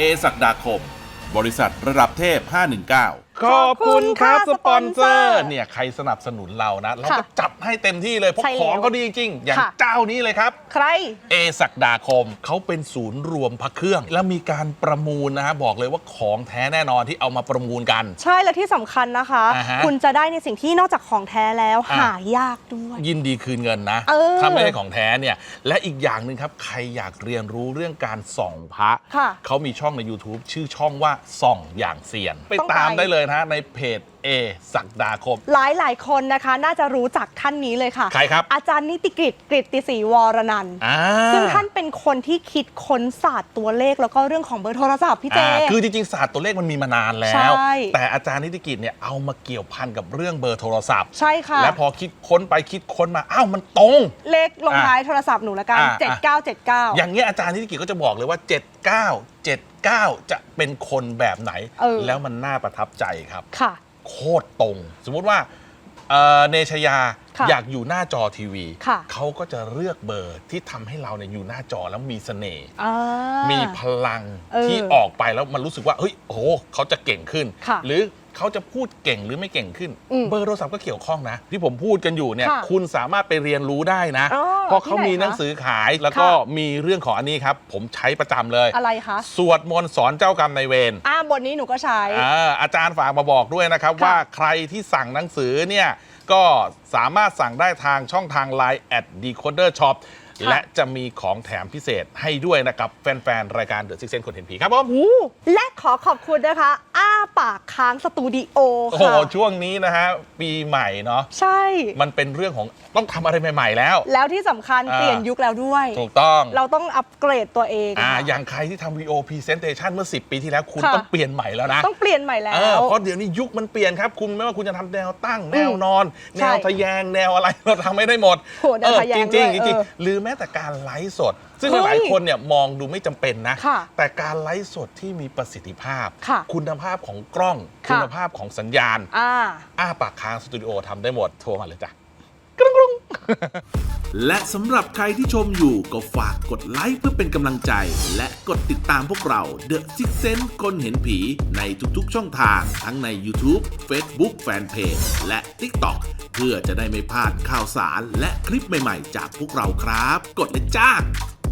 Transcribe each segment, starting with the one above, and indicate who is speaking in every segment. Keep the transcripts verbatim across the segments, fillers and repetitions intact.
Speaker 1: เอศักดาคมบริษัทระดับเทพห้าหนึ่งเก้า
Speaker 2: ขอบคุณครับสปอนเซอร์เนี่ยใครสนับสนุนเรานะเราก็จัดให้เต็มที่เลยเพราะของเขาดีจริงอย่างเจ้านี้เลยครับ
Speaker 3: ใคร
Speaker 2: เอศักดาคมเขาเป็นศูนย์รวมพระเครื่องแล้วมีการประมูลนะฮะบอกเลยว่าของแท้แน่นอนที่เอามาประมูลกัน
Speaker 3: ใช่และที่สำคัญนะคะคุณจะได้ในสิ่งที่นอกจากของแท้แล้วหายากด้วย
Speaker 2: ยินดีคืนเงินนะถ้าไม่ใช่ของแท้เนี่ยและอีกอย่างหนึ่งครับใครอยากเรียนรู้เรื่องการส่องพระเขามีช่องใน ยูทูบ ชื่อช่องว่าส่องอย่างเซียนไปตามได้เลยนะในเพจเอศักดาคม
Speaker 3: หลายหลายคนนะคะน่าจะรู้จักท่านนี้เลยค่ะ
Speaker 2: ใครครับ
Speaker 3: อาจารย์นิติกฤตกฤตติศรีวรนันท์ซึ่งท่านเป็นคนที่คิดค้นศาสตร์ตัวเลขแล้วก็เรื่องของเบอร์โทรศัพท์พี่เจ
Speaker 2: คือจริงๆศาสตร์ตัวเลขมันมีมานานแล้วแต่อาจารย์นิติกฤตเนี่ยเอามาเกี่ยวพันกับเรื่องเบอร์โทรศัพท์
Speaker 3: ใช่ค่ะ
Speaker 2: และพอคิดค้นไปคิดค้นมาอ้าวมันตรง
Speaker 3: เลขลงท้ายโทรศัพท์หนูละกันเจ็ดเก้าเจ็ดเก้า
Speaker 2: อย่างเงี้ยอาจารย์นิติกฤตก็จะบอกเลยว่าเจ็ดเก้าเจ็ดเก้าจะเป็นคนแบบไหนแล้วมันน่าประทับใจครับ
Speaker 3: ค่ะ
Speaker 2: โคตรตรงสมมุติว่าเนชยาอยากอยู่หน้าจอทีวีเขาก็จะเลือกเบอร์ที่ทำให้เราเนี่ยอยู่หน้าจอแล้วมีเสน่ห์มีพลังที่ออกไปแล้วมันรู้สึกว่าเฮ้ยโอ้โหเขาจะเก่งขึ้นหรือเขาจะพูดเก่งหรือไม่เก่งขึ้นเบอร์โทรศัพท์ก็เกี่ยวข้องนะที่ผมพูดกันอยู่เนี่ยคุณสามารถไปเรียนรู้ได้นะเพราะเขามีหนังสือขายแล้วก็มีเรื่องของอันนี้ครับผมใช้ประจำเลย
Speaker 3: อะไรคะ
Speaker 2: สวดมนต์สอนเจ้ากรรมนายเวร
Speaker 3: อ่าบทนี้หนูก็ใช้
Speaker 2: อาจารย์ฝากมาบอกด้วยนะครับว่าใครที่สั่งหนังสือเนี่ยก็สามารถสั่งได้ทางช่องทาง ไลน์ แอท ดีโคเดอร์ ช็อป และจะมีของแถมพิเศษให้ด้วยนะครับแฟนๆรายการ The Sixth Sense คนเห็นผีครับผม
Speaker 3: และขอขอบคุณนะคะอ้าปากค้างสตูดิโอค่ะ
Speaker 2: โอ้ช่วงนี้นะฮะปีใหม่เนาะ
Speaker 3: ใช่
Speaker 2: มันเป็นเรื่องของต้องทำอะไรใหม่ๆแล้ว
Speaker 3: แล้วที่สำคัญเปลี่ยนยุคแล้วด้วย
Speaker 2: ถูกต้อง
Speaker 3: เราต้องอัปเกรดตัวเอง
Speaker 2: อ่าอย่างใครที่ทำวีดีโอพรีเซนเทชันเมื่อสิบปีที่แล้วคุณต้องเปลี่ยนใหม่แล้วนะ
Speaker 3: ต้องเปลี่ยนใหม่แล้ว
Speaker 2: เพราะเดี๋ยวนี้ยุคมันเปลี่ยนครับคุณไม่ว่าคุณจะทำแนวตั้งแนวนอนแนวทะแยงแนวอะไรเราทำไม่ได้หมดจริงจริงจริงหรือแม้แต่การไลฟ์สดซึ่งหลายคนเนี่ยมองดูไม่จำเป็นนะแต่การไลฟ์สดที่มีประสิทธิภาพคุณภาพของกล้องคุณภาพของสัญญาณอ้าปากค้างสตูดิโอทำได้หมดโทรมาเลยจ้ะกรุงกรุง
Speaker 1: และสำหรับใครที่ชมอยู่ก็ฝากกดไลค์เพื่อเป็นกำลังใจและกดติดตามพวกเรา The Sixth Sense คนเห็นผีในทุกๆช่องทางทั้งใน ยูทูบ เฟซบุ๊ก แฟนเพจ และ ติ๊กต็อก เพื่อจะได้ไม่พลาดข่าวสารและคลิปใหม่ๆจากพวกเราครับกดเลยจ้า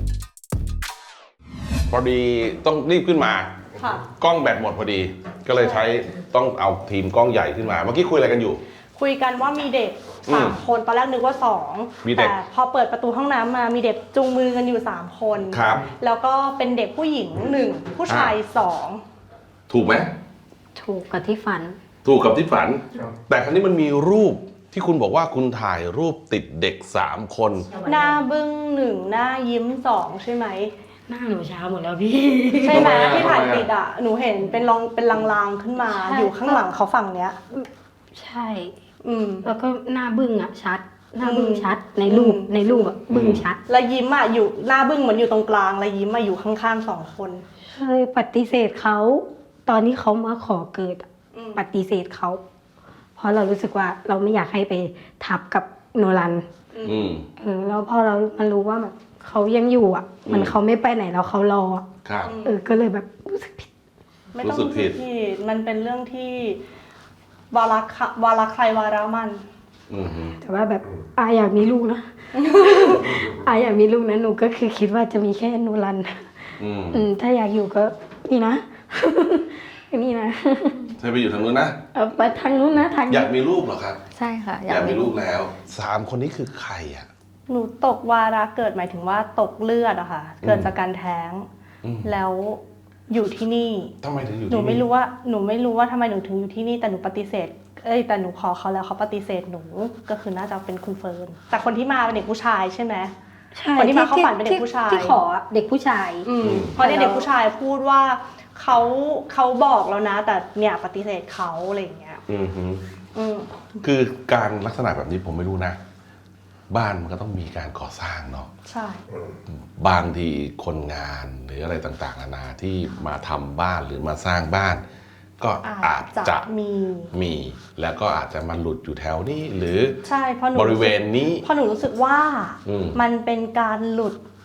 Speaker 4: พอดีต้องรีบขึ้นมากล้องแบตหมดพอดีก็เลยใช้ต้องเอาทีมกล้องใหญ่ขึ้นมาเมื่อกี้คุยอะไรกันอยู่
Speaker 3: คุยกันว่ามีเด็กสามคนตอนแรกนึกว่าสองแต่พอเปิดประตูห้องน้ำมามีเด็กจูงมือกันอยู่สามคน
Speaker 4: ครับ
Speaker 3: แล้วก็เป็นเด็กผู้หญิงหนึ่งผู้ชายสอง
Speaker 4: ถูกไหม
Speaker 5: ถูกกับที่ฝัน
Speaker 4: ถูกกับที่ฝันแต่ครั้นี้มันมีรูปที่คุณบอกว่าคุณถ่ายรูปติดเด็กสามคน
Speaker 3: หน้าบึ้งหนึ่งหน้ายิ้มสองใช่ไหม
Speaker 5: หน้าหนูเช้าหมดแล้วพี่
Speaker 3: ใช่ไหมที่ถ่ายติดอ่ะหนูเห็นเป็นลองเป็นลางๆขึ้นมาอยู่ข้างหลังเขาฝั่งเนี้ย
Speaker 5: ใช่อืมแล้วก็หน้าบึ้งอ่ะชัดหน้าบึ้งชัดในรูปในรูปอ่ะบึ้งชัด
Speaker 3: แล้วยิ้มอ่ะอยู่หน้าบึ้งเหมือนอยู่ตรงกลางแล้วยิ้มมาอยู่ข้างๆสองคน
Speaker 5: เคยปฏิเสธเขาตอนที่เขามาขอเกิดปฏิเสธเขาเพราะเรารู้สึกว่าเราไม่อยากให้ไปทับกับโนรันเออแล้วพอเรามันรู้ว่าแบบเขายังอยู่อ่ะมันเขาไม่ไปไหนแล้วเขารอเออก็เลยแบบรู้สึกผิด
Speaker 3: ไม่ต้องรู้สึกผิดมันเป็นเรื่องที่วาระวาระใครวาระมัน
Speaker 5: แต่ว่าแบบอาอยากมีลูกนะอาอยากมีลูกนะหนูก็คือคิดว่าจะมีแค่โนรันอืมถ้าอยากอยู่ก็นี่นะนี่นะ
Speaker 4: ใช่ไปอยู่ทางนู้นนะ
Speaker 5: เออไปทางนู้นนะทาง
Speaker 4: อยากมีลูกเหรอครับ
Speaker 5: ใช่ค่ะ
Speaker 4: อยากมีลูกแล้วสามคนนี้คือใครอ่ะ
Speaker 3: หนูตกวาระเกิดหมายถึงว่าตกเลือดอะค่ะเกิดจากการแท้งแล้วอยู่ที่นี่
Speaker 4: ทำไมถึงอยู่
Speaker 3: หนูไม่รู้ว่าหนูไม่รู้ว่าทำไมหนูถึงอยู่ที่นี่แต่หนูปฏิเสธเอ้ยแต่หนูขอเขาแล้วเขาปฏิเสธหนูก็คือน่าจะเป็นคุณเฟิร์นแต่คนที่มาเป็นเด็กผู้ชายใช่ไหม
Speaker 5: ใช่
Speaker 3: คนที่มาเข้าฝันเป็นเด็กผู้ชาย
Speaker 5: ที่ขอเด็กผู้ชาย
Speaker 3: เพราะเนี่ยเด็กผู้ชายพูดว่าเขาเขาบอกแล้วนะแต่เนี่ยปฏิเสธเขาอะไรอย่างเงี้ย
Speaker 4: คือการลักษณะแบบนี้ผมไม่รู้นะบ้านมันก็ต้องมีการก่อสร้างเนาะ
Speaker 3: ใช่
Speaker 4: บางทีคนงานหรืออะไรต่างๆนานาที่มาทำบ้านหรือมาสร้างบ้านก็อาจจะมีมีแล้วก็อาจจะมาหลุดอยู่แถวนี้หรือ
Speaker 3: ใช่เพราะหนู
Speaker 4: บริเวณนี้
Speaker 3: เพราะหนูรู้สึกว่ามันเป็นการหลุด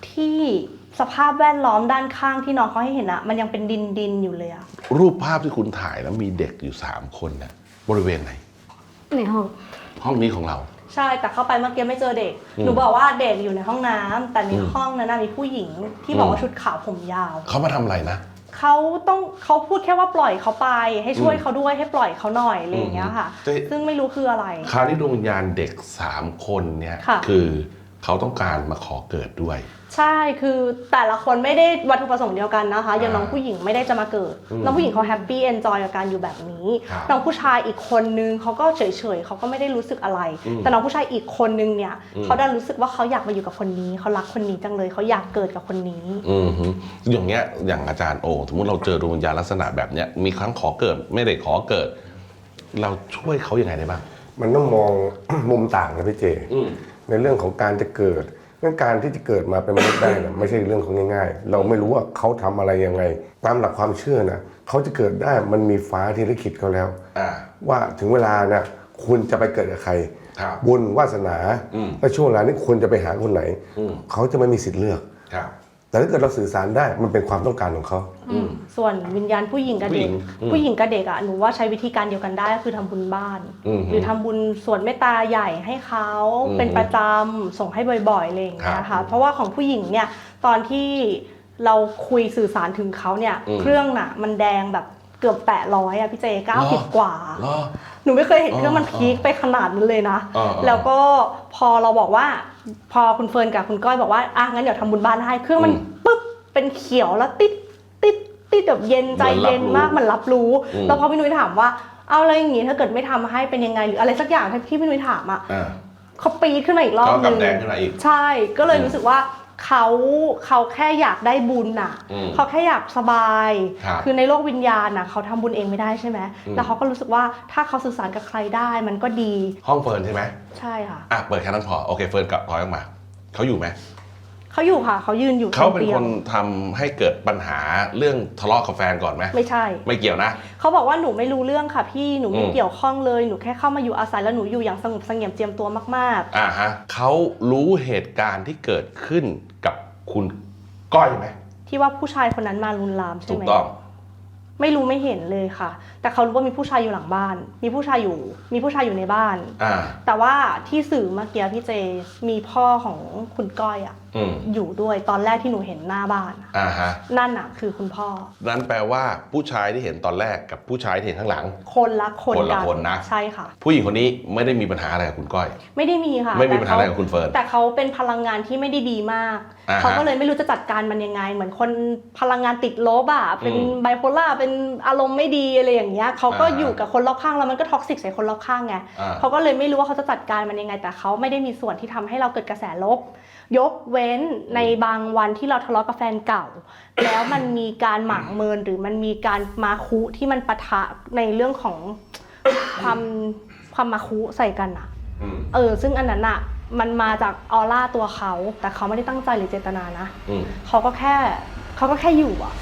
Speaker 3: ที่สภาพแวดล้อมด้านข้างที่น้องเขาให้เห็นอะมันยังเป็นดินดินอยู่เลยอะ
Speaker 4: รูปภาพที่คุณถ่ายแล้วมีเด็กอยู่สามคนเนี่ยบริเวณไหน
Speaker 5: ในห้อง
Speaker 4: ห้องนี้ของเรา
Speaker 3: ใช่แต่เข้าไปเมื่อกี้ไม่เจอเด็ก
Speaker 4: อืม
Speaker 3: หนูบอกว่าเด็กอยู่ในห้องน้ำแต่ใน
Speaker 4: อืม
Speaker 3: ห้องนั้นนะมีผู้หญิงที่บอก
Speaker 4: อืม
Speaker 3: ว่าชุดขาวผมยาว
Speaker 4: เขามาทำอะไรนะ
Speaker 3: เขาต้องเขาพูดแค่ว่าปล่อยเขาไป ให้ช่วย
Speaker 4: อืม
Speaker 3: เขาด้วยให้ปล่อยเขาหน่อยอะไรอย่างเงี้ยค่ะ
Speaker 4: อืม
Speaker 3: ซึ่งไม่รู้คืออะไร
Speaker 4: คราวนี้ดวงวิญญาณเด็กสามคนเนี่ย
Speaker 3: ค่ะ
Speaker 4: คือเขาต้องการมาขอเกิดด้วย
Speaker 3: ใช่คือแต่ละคนไม่ได้วัตถุประสงค์เดียวกันนะคะ อย่าง
Speaker 4: อ่า
Speaker 3: น้องผู้หญิงไม่ได้จะมาเกิด
Speaker 4: อืม
Speaker 3: น้องผู้หญิงเขาแฮปปี้เอนจอยกับการอยู่แบบนี้
Speaker 4: ครับ
Speaker 3: น้องผู้ชายอีกคนนึงเขาก็เฉยๆเขาก็ไม่ได้รู้สึกอะไร
Speaker 4: อืม
Speaker 3: แต่น้องผู้ชายอีกคนนึงเนี่ย
Speaker 4: อืม
Speaker 3: เขาได้รู้สึกว่าเขาอยากมาอยู่กับคนนี้เขารักคนนี้จังเลยเขาอยากเกิดกับคนนี้
Speaker 4: อืมฮึอย่างเงี้ยอย่างอาจารย์โอสมมติเราเจอดวงวิญญาณลักษณะแบบเนี้ยมีครั้งขอเกิดไม่ได้ขอเกิด เราช่วยเขายังไงได้บ้าง
Speaker 6: มันต้องมอง มุมต่างนะพี่เจ
Speaker 4: อืม
Speaker 6: ในเรื่องของการจะเกิดเรื่องการที่จะเกิดมาเป็นมนุษย์ได้เนี่ยไม่ใช่เรื่องของง่ายๆ เราไม่รู้ว่าเขาทำอะไรยังไง ตามหลักความเชื่อนะเขาจะเกิดได้มันมีฟ้าที่ลิขิตเขาแล้ว
Speaker 4: อ่า
Speaker 6: ว่าถึงเวลานะคุณจะไปเกิดกับใคร
Speaker 4: ครับ
Speaker 6: บุญวาสนา
Speaker 4: อืม
Speaker 6: และช่วงเวลานี้คุณจะไปหาคนไหน
Speaker 4: อืม
Speaker 6: เขาจะไม่มีสิทธิ์เลือก
Speaker 4: ครับ
Speaker 6: แต่ถ้าเกิดเราสื่อสารได้มันเป็นความต้องการของเขา
Speaker 4: อืม
Speaker 3: ส่วนวิญญาณผู้หญิงกับเด็ก
Speaker 4: ผู้หญิงอืม
Speaker 3: ผู้หญิงกับเด็กอ่ะหนูว่าใช้วิธีการเดียวกันได้ก็คือทำบุญบ้าน
Speaker 4: อืม
Speaker 3: หรือทำบุญส่วนเมตตาใหญ่ให้เขา
Speaker 4: อืม
Speaker 3: เป็นประจำส่งให้บ่อยๆอะไรอย่างเงี้ย
Speaker 4: ครั
Speaker 3: ค่ะ
Speaker 4: บ
Speaker 3: เพราะว่าของผู้หญิงเนี่ยตอนที่เราคุยสื่อสารถึงเขาเนี่ย
Speaker 4: อืม
Speaker 3: เครื่องน่ะมันแดงแบบเกือบแปดร้อยอะพี่เจเก้าสิบ
Speaker 4: เหรอ
Speaker 3: กว่า
Speaker 4: เหรอ
Speaker 3: หนูไม่เคยเห็นเครื่องมัน
Speaker 4: อ๋อ
Speaker 3: พีคไปขนาดนั้นเลยนะ
Speaker 4: อ๋ออ๋อ
Speaker 3: แล้วก็พอเราบอกว่าพอคุณเฟิร์นกับคุณก้อยบอกว่าอ่ะงั้นเดี๋ยวทำบุญบ้านให้เครื่องมัน
Speaker 4: อืม
Speaker 3: ปึ๊บเป็นเขียวแล้วติดติดติดแบบเย็นใจเย็นมาก
Speaker 4: เหมือนรับรู้
Speaker 3: มันรับรู้
Speaker 4: อืม
Speaker 3: แล้วพอพี่นุ้ยถามว่าเอาอะไรอย่างงี้ถ้าเกิดไม่ทำให้เป็นยังไงหรืออะไรสักอย่างที่พี่นุ้ยถามอ่ะ
Speaker 4: อ่า
Speaker 3: เขาปีดขึ้นมาอีกรอบ
Speaker 4: เขา
Speaker 3: นึ
Speaker 4: กำ
Speaker 3: ง
Speaker 4: แดงขึ้นมาอีก
Speaker 3: ใช่ก็เลย
Speaker 4: อืม
Speaker 3: รู้สึกว่าเขาเขาแค่อยากได้บุญน่ะ
Speaker 4: อืม
Speaker 3: เขาแค่อยากสบาย
Speaker 4: ครับ
Speaker 3: คือในโลกวิญญาณน่ะเขาทำบุญเองไม่ได้ใช่ไหม
Speaker 4: อืม
Speaker 3: แล้วเขาก็รู้สึกว่าถ้าเขาสื่อสารกับใครได้มันก็ดี
Speaker 4: ห้องเฟิร์นใช่ไหม
Speaker 3: ใช่ค่ะ
Speaker 4: อ่ะเปิดแค่นั้นพอโอเคเฟิร์นกลับถอยออกมาเขาอยู่ไหม
Speaker 3: เขาอยู่ค่ะเขายืนอยู่
Speaker 4: เขาเป็น
Speaker 3: ตีย
Speaker 4: ค
Speaker 3: ง
Speaker 4: นทำให้เกิดปัญหาเรื่องทะเลาะกับแฟนก่อนไหม
Speaker 3: ไม่ใช่
Speaker 4: ไม่เกี่ยวนะ
Speaker 3: เขาบอกว่าหนูไม่รู้เรื่องค่ะพี่หนูไม่
Speaker 4: อืม
Speaker 3: เกี่ยวข้องเลยหนูแค่เข้ามาอยู่อาศัยแล้วหนูอยู่อย่างสงบเสงี่ยมเจียมตัวมาก
Speaker 4: อ่าฮะเขารู้เหตุการณ์ที่เกิดขึ้นกับคุณก้อยไหม
Speaker 3: ๆ ที่ว่าผู้ชายคนนั้นมาลุนลามใช่
Speaker 4: ถูก
Speaker 3: ไหม
Speaker 4: ต้อง
Speaker 3: ไม่รู้ไม่เห็นเลยค่ะ แต่เขารู้ว่ามีผู้ชายอยู่หลังบ้าน มีผู้ชายอยู่ มีผู้ชายอยู่ในบ้าน
Speaker 4: อ่า
Speaker 3: แต่ว่าที่สื่อเมื่อกี้พี่เจมีพ่อของคุณก้อยอะ
Speaker 4: อืม
Speaker 3: อยู่ด้วยตอนแรกที่หนูเห็นหน้าบ้านอะ
Speaker 4: อ่าฮะ
Speaker 3: นั่นอะคือคุณพ่อ
Speaker 4: นั่นแปลว่าผู้ชายที่เห็นตอนแรกกับผู้ชายที่เห็นข้างหลัง
Speaker 3: คนละคน
Speaker 4: คนละ
Speaker 3: กัน
Speaker 4: คนนะ
Speaker 3: ใช่ค่ะ
Speaker 4: ผู้หญิงคนนี้ไม่ได้มีปัญหาอะไรกับคุณก้อย
Speaker 3: ไม่ได้มีค่ะ
Speaker 4: ไม่มี
Speaker 3: แต่
Speaker 4: ปัญหาอะไรกับคุณเฟิร์น
Speaker 3: แต่เขาเป็นพลังงานที่ไม่ได้ดีมาก
Speaker 4: อ่าฮะ
Speaker 3: เขาก็เลยไม่รู้จะจัดการมันยังไง เหมือนคนพลังงานติดลบอะเป็น
Speaker 4: อืม
Speaker 3: ไบโพล่าเป็นอารมณ์ไม่ดีอะไรอย่างเงี้ยเขาก็
Speaker 4: อ่าฮะ
Speaker 3: อยู่กับคนรอบข้างแล้วมันก็ท็อกซิกใส่คนรอบข้างไง
Speaker 4: อ่า
Speaker 3: เขาก็เลยไม่รู้ว่าเขาจะจัดการมันยังไง แต่เขาไม่ได้มีส่วนที่ทำให้เราเกิดกระแสลบ ยกเว้นในบางวันที่เราทะเลาะกับแฟนเก่า แล้วมันมีการหมางเมินหรือมันมีการมาคุที่มันปะทะในเรื่องของความความมาคุใส่กันอะ
Speaker 4: อืม
Speaker 3: เออซึ่งอันนั้นอะมันมาจากออร่าตัวเขาแต่เขาไม่ได้ตั้งใจหรือเจตนานะ
Speaker 4: อืม
Speaker 3: เขาก็แค่เขาก็แค่อยู่อะ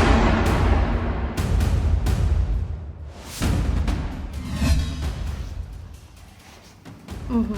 Speaker 3: อือหือ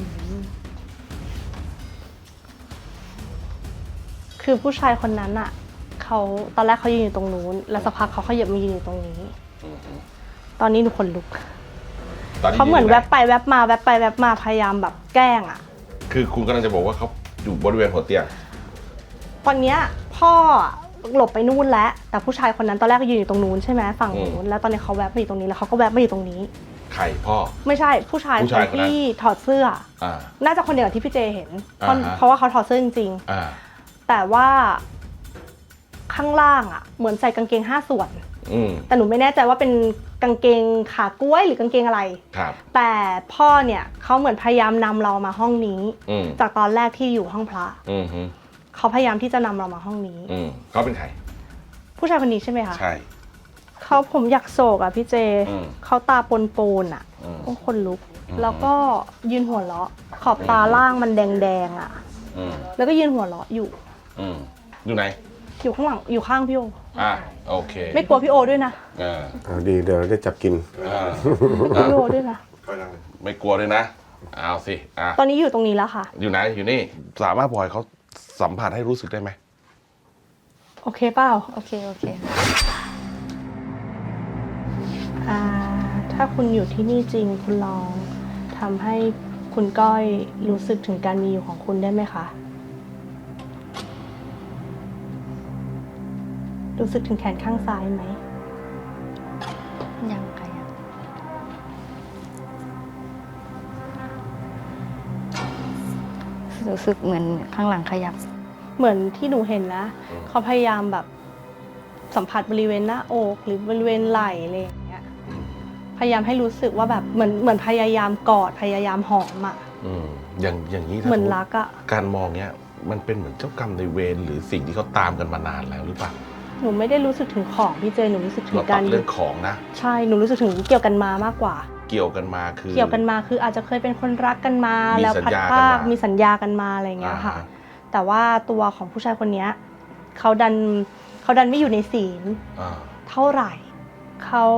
Speaker 3: คือผู้ชายคนนั้นอะเขาตอนแรกเขายืนอยู่ตรงนู้นแล้วสักพักเขาขยับมายืนอยู่ตรงนี้ ตอนนี้หนูขนลุก
Speaker 4: ตอนนี้
Speaker 3: เขาเหมือน
Speaker 4: ยู่
Speaker 3: แว
Speaker 4: ไ
Speaker 3: บไปแวบมาแวบไปแวบมาพยายามแบบแกล้งอะ
Speaker 4: คือคุณกำลังจะบอกว่าเขาอยู่บริเวณหัวเตียง
Speaker 3: ตอนเนี้ยพ่อหลบไปนู่นแล้วแต่ผู้ชายคนนั้นตอนแรกก็ยืนอยู่ตรงนู้นใช่ไหมฝั่งนู้นแล้วตอนนี้เขาแวบมาอยู่ตรงนี้แล้วเขาก็แวบมาอยู่ตรงนี้
Speaker 4: ใครพ่อ
Speaker 3: ไม่ใช่ผู้ชาย
Speaker 4: ผู้
Speaker 3: ค
Speaker 4: ชาย
Speaker 3: น
Speaker 4: คนนั้น
Speaker 3: ที่ถอดเสื้อ
Speaker 4: อ่า
Speaker 3: น่าจะคนเดียวกับที่พี่เจเห็นเพราะ
Speaker 4: อ่าฮะ
Speaker 3: เพราะว่าเขาถอดเสื้อจริง
Speaker 4: อ่า
Speaker 3: ๆแต่ว่าข้างล่างอ่ะเหมือนใส่กางเกงห้าส่วน
Speaker 4: อืม
Speaker 3: แต่หนูไม่แน่ใจว่าเป็นกางเกงขากล้วยหรือกางเกงอะไร
Speaker 4: ครับ
Speaker 3: แต่พ่อเนี่ยเขาเหมือนพยายามนำเรามาห้องนี้
Speaker 4: อืม
Speaker 3: จากตอนแรกที่อยู่ห้องพระ
Speaker 4: อืมฮึ
Speaker 3: เขาพยายามที่จะนำเรามาห้องนี้
Speaker 4: อืมเขาเป็นใคร
Speaker 3: ผู้ชายคนนี้ใช่ไหมคะ
Speaker 4: ใช่
Speaker 3: เขาผมอยากโศกอ่ะพี่เจ
Speaker 4: อืม
Speaker 3: เขาตาปนปนๆอ่ะ
Speaker 4: อืม
Speaker 3: โอ้คนลุก
Speaker 4: อืม
Speaker 3: แล้วก็ยืนหัวเราะ ขอบตาล่างมันแดงๆอ่ะ
Speaker 4: อืม
Speaker 3: แล้วก็ยืนหัวเราะอยู่
Speaker 4: อืมอยู่ไหน
Speaker 3: อยู่ข้างหลังอยู่ข้างพี่โอ
Speaker 4: อ่าโอเค
Speaker 3: ไม่กลัวพี่โอด้วยนะ
Speaker 4: อ่า
Speaker 6: เอาดีเดี๋ยวเราได้จับกิน
Speaker 4: อ่า
Speaker 3: ไม่กลัวพี่โอด้วยนะ
Speaker 4: ไม่กลัวด้วยนะเอาสิอ่ะ
Speaker 3: ตอนนี้อยู่ตรงนี้แล้วค่ะ
Speaker 4: อยู่ไหนอยู่นี่สามารถปล่อยเขาสัมผัสให้รู้สึกได้ไหม
Speaker 3: โอเคเปล่า
Speaker 7: โอเคโอเคค่ะ
Speaker 3: อ่าถ้าคุณอยู่ที่นี่จริงคุณลองทำให้คุณก้อยรู้สึกถึงการมีอยู่ของคุณได้ไหมคะ รู้สึกถึงแขนข้างซ้ายไหม
Speaker 7: ยังขยับรู้สึกเหมือนข้างหลังขยับ
Speaker 3: เหมือนที่หนูเห็นนะเขาพยายามแบบสัมผัสบริเวณหน้าอกหรือบริเวณไหล่อะไรอย่างเงี้ยพยายามให้รู้สึกว่าแบบเหมือนเหมือนพยายามกอดพยายามหอมอ่ะ
Speaker 4: อืมอย่างอย่างนี้ถ้า
Speaker 3: เหมือน
Speaker 4: สติ
Speaker 3: รักอะ
Speaker 4: การมองเนี้ยมันเป็นเหมือนเจ้ากรรมในายเวรหรือสิ่งที่เขาตามกันมานานแล้วหรือเปล่า
Speaker 3: หนูไม่ได้รู้สึกถึงของพี่เจหนูรู้สึกถึ
Speaker 4: เรา
Speaker 3: ง
Speaker 4: ตั
Speaker 3: การ
Speaker 4: ดเรื่องของนะ
Speaker 3: ใช่หนูรู้สึกถึงเกี่ยวกันมามากกว่า
Speaker 4: เกี่ยวกันมาคือ
Speaker 3: เกี่ยวกันมาคืออาจจะเคยเป็นคนรักกันมา
Speaker 4: มี
Speaker 3: แล้ว
Speaker 4: สัญ
Speaker 3: พัด
Speaker 4: ญา
Speaker 3: พราก
Speaker 4: กันมามี
Speaker 3: มีสัญญากันมาอะไรอย่างเงี้ยค่ะ
Speaker 4: อ่าฮะ
Speaker 3: แต่ว่าตัวของผู้ชายคนเนี้ยเขาดันเขาดันไม่อยู่ในศีล
Speaker 4: อ่า
Speaker 3: เท่าไหร่เขา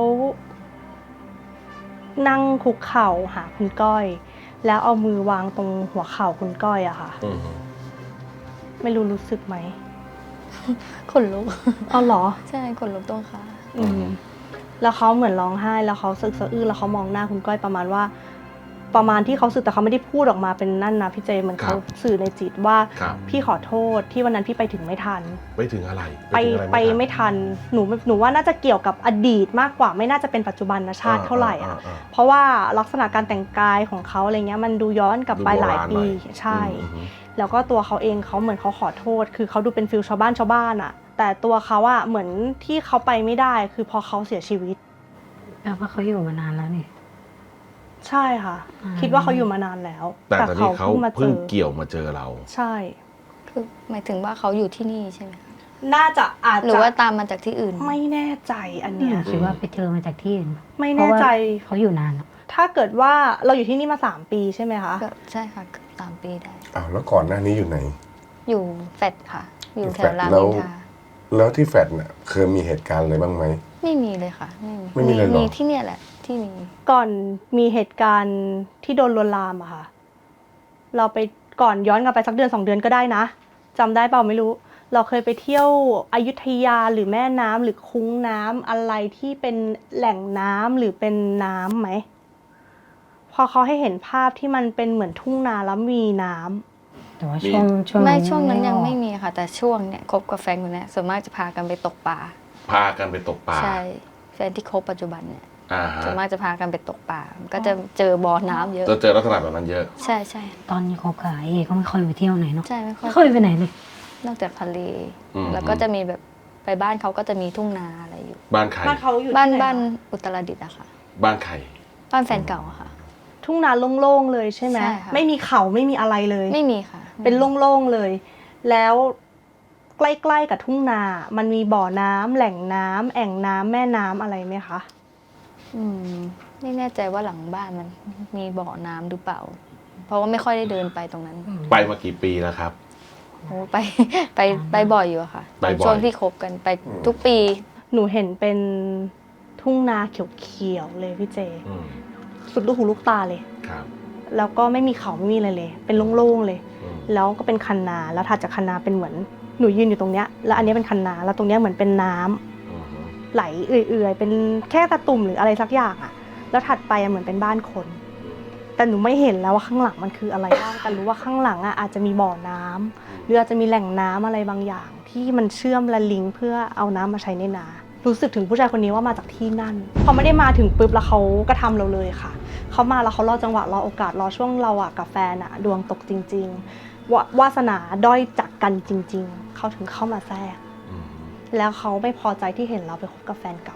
Speaker 3: นั่งคุกเข่าหาคุณก้อย แล้วเอามือวางตรงหัวเข่าคุณก้อยอะค่ะ
Speaker 4: อืม
Speaker 3: ไม่รู้รู้สึกไหม
Speaker 7: ขนลุก
Speaker 3: เอาเหรอ
Speaker 7: ใช่ขนลุกตรงขา
Speaker 3: อืมแล้วเขาเหมือนร้องไห้แล้วเขาสึกสะอื้นแล้วเขามองหน้าคุณก้อยประมาณว่า ประมาณที่เขาสื่อแต่เขาไม่ได้พูดออกมาเป็นนั่นนะพี่เจเหมือนเขาสื่อในจิตว่า
Speaker 4: ครับ
Speaker 3: พี่ขอโทษที่วันนั้นพี่ไปถึงไม่ทัน
Speaker 4: ไปถึงอะไร
Speaker 3: ไป
Speaker 4: ถึงอะร
Speaker 3: ไป
Speaker 4: ทัน
Speaker 3: ไม่ทันหนูหนูว่าน่าจะเกี่ยวกับอดีตมากกว่าไม่น่าจะเป็นปัจจุบันชาติเท่าไหร่อ่ะ
Speaker 4: อ่า
Speaker 3: เพราะว่าลักษณะการแต่งกายของเขาอะไรเงี้ยมันดูย้อนกลับไป
Speaker 4: ดูโบ
Speaker 3: หลาย
Speaker 4: ราณ
Speaker 3: ปี
Speaker 4: หน่อย
Speaker 3: ใช่
Speaker 4: อืมอืม
Speaker 3: แล้วก็ตัวเขาเองเขาเหมือนเขาขอโทษ คือเขาดูเป็นฟิลชาวบ้านชาวบ้านอะแต่ตัวเขาอะเหมือนที่เขาไปไม่ได้คือพอเขาเสียชีวิต
Speaker 5: แปลว่าเขาอยู่มานานแล้วนี่
Speaker 3: ใช่ค่ะ
Speaker 5: อืม
Speaker 3: คิดว่าเขาอยู่มานานแล้ว
Speaker 4: แต่ตอนนี้เขา
Speaker 3: เพิ่งมาเจ
Speaker 4: เพิ่ง
Speaker 3: อ
Speaker 4: เกี่ยวมาเจอเรา
Speaker 3: ใช่
Speaker 7: คือหมายถึงว่าเขาอยู่ที่นี่ใช่ไหมคะ
Speaker 3: น่าจะอาจ
Speaker 7: หรือ
Speaker 3: จะ
Speaker 7: ว่าตามมาจากที่อื่น
Speaker 3: ไม่แน่ใจอันเนี้ย
Speaker 5: คิดว่าไปเจอมาจากที่อื่น
Speaker 3: ไม่แน่ใจ
Speaker 5: เพราะว่าเขาอยู่นานอะ
Speaker 3: ถ้าเกิดว่าเราอยู่ที่นี่มาสามปีใช่ไหมคะ
Speaker 7: ก็ใช่ค่ะเกือบสามปีได้
Speaker 6: อ้าวแล้วก่อนหน้านี้อยู่ไหน
Speaker 7: อยู่แฟดค่ะ อยู่แถวราม
Speaker 6: แล้
Speaker 7: อิ
Speaker 6: ว
Speaker 7: นทรา
Speaker 6: แล้วที่แฟดน่ะเคยมีเหตุการณ์อะไรบ้างไหม
Speaker 7: ไม่มีเลยค่ะ ไม่มี
Speaker 6: ไม่มีเลยเหรอ
Speaker 7: มีที่เนี่ยแหละที่มี
Speaker 3: ก่อนมีเหตุการณ์ที่โดนลวนลามอะค่ะ เราไปก่อนย้อนกลับไปสักเดือนสองเดือนก็ได้นะจำได้เปล่าไม่รู้ เราเคยไปเที่ยวอยุธยาหรือแม่น้ำหรือคุ้งน้ำอะไรที่เป็นแหล่งน้ำหรือเป็นน้ำไหมพอเขาให้เห็นภาพที่มันเป็นเหมือนทุ่งนาแล้วมีน้ำ
Speaker 5: แต่ว่าช่วงช่วง
Speaker 7: ไม่
Speaker 5: นั้น
Speaker 7: ช่วงนั้นยัง
Speaker 5: ออก
Speaker 7: ไม่มีค่ะ แต่ช่วงเนี่ยคบกับแฟนคนเนี้ยส่วนมากจะพากันไปตกปลา
Speaker 4: พากันไปตกปลา
Speaker 7: ใช่แฟนที่คบปัจจุบันเนี่ย
Speaker 4: อ่าฮะ
Speaker 7: ส่วนมากจะพากันไปตกปลาก็จะเจอบ่อน้ำเยอะ
Speaker 4: จะเจอลักษณะแบบนั้นเยอะ
Speaker 7: ใช่ใช่
Speaker 5: ตอนนี้คบกับเอเขาไม่ค่อยไปเที่ยวไหนเนาะ
Speaker 7: ใช่ไม่ค่อย
Speaker 5: ไม่ค่อยไปไหนเลย
Speaker 7: นอกจากทะเล
Speaker 4: อืม
Speaker 7: แล้วก็จะมีแบบไปบ้านเขาก็จะมีทุ่งนาอะไรอยู่
Speaker 4: บ้านใคร
Speaker 3: บ้านเขาอยู่
Speaker 7: บ้าน
Speaker 3: ที่ไห
Speaker 7: บ้านอุตรดิตถ์อะค่ะ
Speaker 4: บ้านใคร
Speaker 7: บ้านแฟนเก่าอะค่ะ
Speaker 3: ทุ่งนาโล่งๆเลยใช่ไหม
Speaker 7: ใช่ค่ะ
Speaker 3: ไม่มีเขาไม่มีอะไรเลย
Speaker 7: ไม่มีค่ะ
Speaker 3: เป็นโล่งๆเลย แล้วใกล้ๆกับทุ่งนา มันมีบ่อน้ำแหล่งน้ำแอ่งน้ำแม่น้ำอะไรไหมคะ
Speaker 7: อืมไม่แน่ใจว่าหลังบ้านมันมีบ่อน้ำหรือเปล่า เพราะว่าไม่ค่อยได้เดินไปตรงนั้น
Speaker 4: ไปมากี่ปีแล้วครับ
Speaker 7: โอ้ไปไปไปบ่อยอยู่อะค่ะ
Speaker 4: ไปบ่อย
Speaker 7: ช่วงที่คบกันไปทุกปี
Speaker 3: หนูเห็นเป็นทุ่งนาเขียวๆเลยพี่เจ
Speaker 4: อืม
Speaker 3: สุดลูกหูลูกตาเลย
Speaker 4: ครับ
Speaker 3: แล้วก็ไม่มีเขาไม่มีอะไรเลย เป็นโล่งๆเลย
Speaker 4: อืม
Speaker 3: แล้วก็เป็นคันนา แล้วถัดจากคันนาเป็นเหมือนหนูยืนอยู่ตรงเนี้ย แล้วอันเนี้ยเป็นคันนา แล้วตรงเนี้ยเหมือนเป็นน้ำ
Speaker 4: อืม
Speaker 3: ไหลเอื่อยๆ เป็นแค่ตะตุ่มหรืออะไรสักอย่างอะแล้วถัดไปอะเหมือนเป็นบ้านคน แต่หนูไม่เห็นแล้วว่าข้างหลังมันคืออะไรบ้าง แต่รู้ว่าข้างหลังอะอาจจะมีบ่อน้ำหรืออาจจะมีแหล่งน้ำอะไรบางอย่าง ที่มันเชื่อมและลิงก์เพื่อเอาน้ำมาใช้ในนา รู้สึกถึงผู้ชายคนนี้ว่ามาจากที่นั่น พอไม่ได้มาถึงปุ๊บแล้วเขากระทำเราเลยค่ะ เขามาแล้วเขารอจังหวะรอโอกาสรอช่วงเราอะกับแฟนอะดวงตกจริงๆวาวาสนาด้อยจากกันจริง ๆ เขาถึงเข้ามาแทรก
Speaker 4: อืม
Speaker 3: แล้วเขาไม่พอใจที่เห็นเราไปคบกับแฟนเก่า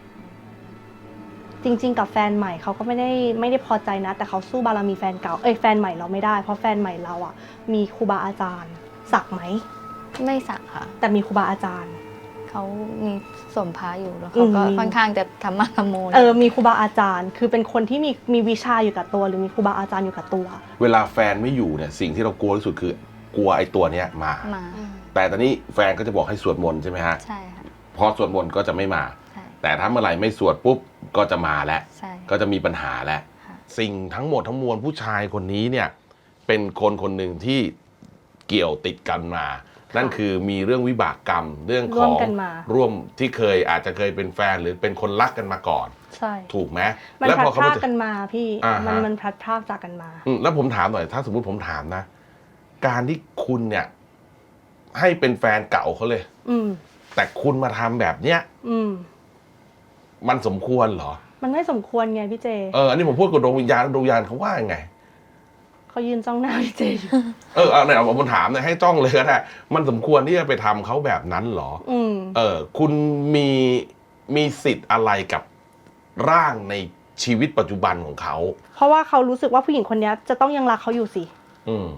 Speaker 3: จริง ๆ กับแฟนใหม่เขาก็ไม่ได้ไม่ได้พอใจนะ แต่เขาสู้บารมีแฟนเก่า เอ้ยแฟนใหม่เราไม่ได้ เพราะแฟนใหม่เราอ่ะ มีครูบาอาจารย์ สักไหม
Speaker 7: ไม่สักค่ะ
Speaker 3: แต่มีครูบาอาจารย์
Speaker 7: เขามีสวมพระอยู่แล้วเขาก็
Speaker 3: อืม
Speaker 7: ค่อนข้างจะธรรมะธรรมโม
Speaker 3: เออ มีครูบาอาจารย์ คือเป็นคนที่มีมีวิชาอยู่กับตัว หรือมีครูบาอาจารย์อยู่กับตัว
Speaker 4: เวลาแฟนไม่อยู่เนี่ยสิ่งที่เรากลัวที่สุดคือกลัวไอ้ตัวเนี้ยมา
Speaker 7: มา
Speaker 4: แต่ตอนนี้แฟนก็จะบอกให้สวดมนต์ใช่ไหมฮะ
Speaker 7: ใช่ค่ะ
Speaker 4: พอสวดมนต์ก็จะไม่มา
Speaker 7: ใช่
Speaker 4: แต่ถ้าเมื่อไหร่ไม่สวดปุ๊บก็จะมาแล้ว
Speaker 7: ใช่
Speaker 4: ก็จะมีปัญหาแล้ว
Speaker 7: ค่ะ
Speaker 4: สิ่งทั้งหมดทั้งมวลผู้ชายคนนี้เนี่ยเป็นคนคนหนึ่งที่เกี่ยวติดกันมา นั่นคือมีเรื่องวิบากกรรมเรื่องข
Speaker 3: ร่ว
Speaker 4: อ
Speaker 3: ม
Speaker 4: ง
Speaker 3: กันมา
Speaker 4: ร่วมที่เคยอาจจะเคยเป็นแฟนหรือเป็นคนรักกันมาก่อน
Speaker 3: ใช่
Speaker 4: ถูกไหม
Speaker 3: มัน
Speaker 4: แล้ว
Speaker 3: พลั
Speaker 4: พ
Speaker 3: ด
Speaker 4: อเขา
Speaker 3: พราก
Speaker 4: มาเจอ
Speaker 3: กันมาพี่
Speaker 4: อ่าฮะ
Speaker 3: มันมันพลัดพรากจากกันมา
Speaker 4: อืมแล้วผมถามหน่อยถ้าสมมุติผมถามนะ การที่คุณเนี่ย ให้เป็นแฟนเก่าเขาเลย
Speaker 3: อืม
Speaker 4: แต่คุณมาทำแบบเนี้ย
Speaker 3: อืม
Speaker 4: มันสมควรเหรอ
Speaker 3: มันไม่สมควรไงพี่เจ
Speaker 4: เอออันนี้ผมพูดกับดวงวิญญาณดวงวิญญาณเขาว่ายังไง
Speaker 3: เขายืนจ้องหน้าพี่เจอยู่
Speaker 4: เออเอาเนี่ยผมถามเนี่ยให้จ้องเลยก็ได้มันสมควรที่จะไปทำเขาแบบนั้นเหรอ
Speaker 3: อืม
Speaker 4: เออคุณมีมีสิทธิ์อะไรกับร่างในชีวิตปัจจุบันของเขา
Speaker 3: เพราะว่าเขารู้สึกว่าผู้หญิงคนนี้จะต้องยังรักเขาอยู่สิ
Speaker 4: อืม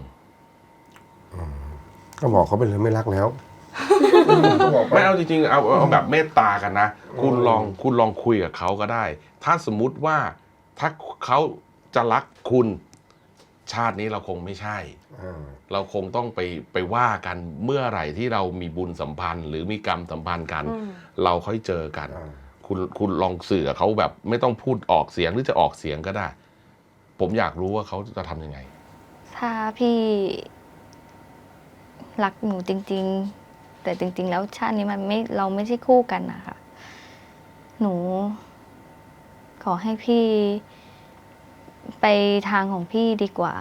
Speaker 6: ก็บอกเขาไปเลยไม่รักแล้วก็บอกไป
Speaker 4: ไม่เอาจริงๆเอาเอาแบบเมตตากันนะ คุณลองคุณลองคุยกับเขาก็ได้ ถ้าสมมุติว่าถ้าเขาจะรักคุณชาตินี้เราคงไม่ใช่
Speaker 6: อ่า
Speaker 4: เราคงต้องไปไปว่ากันเมื่อไหร่ที่เรามีบุญสัมพันธ์ หรือมีกรรมสัมพันธ์กัน
Speaker 3: อืม
Speaker 4: เราค่อยเจอกัน
Speaker 6: อ่า
Speaker 4: คุณคุณลองสื่อกับเขาแบบไม่ต้องพูดออกเสียงหรือจะออกเสียงก็ได้ ผมอยากรู้ว่าเขาจะทำยังไง
Speaker 7: ถ้าพี่รักหนูจริง ๆ แต่จริง ๆ แล้วชาตินี้มันไม่เราไม่ใช่คู่กันนะคะหนู ขอให้พี่ ไปทางของพี่ดีกว่า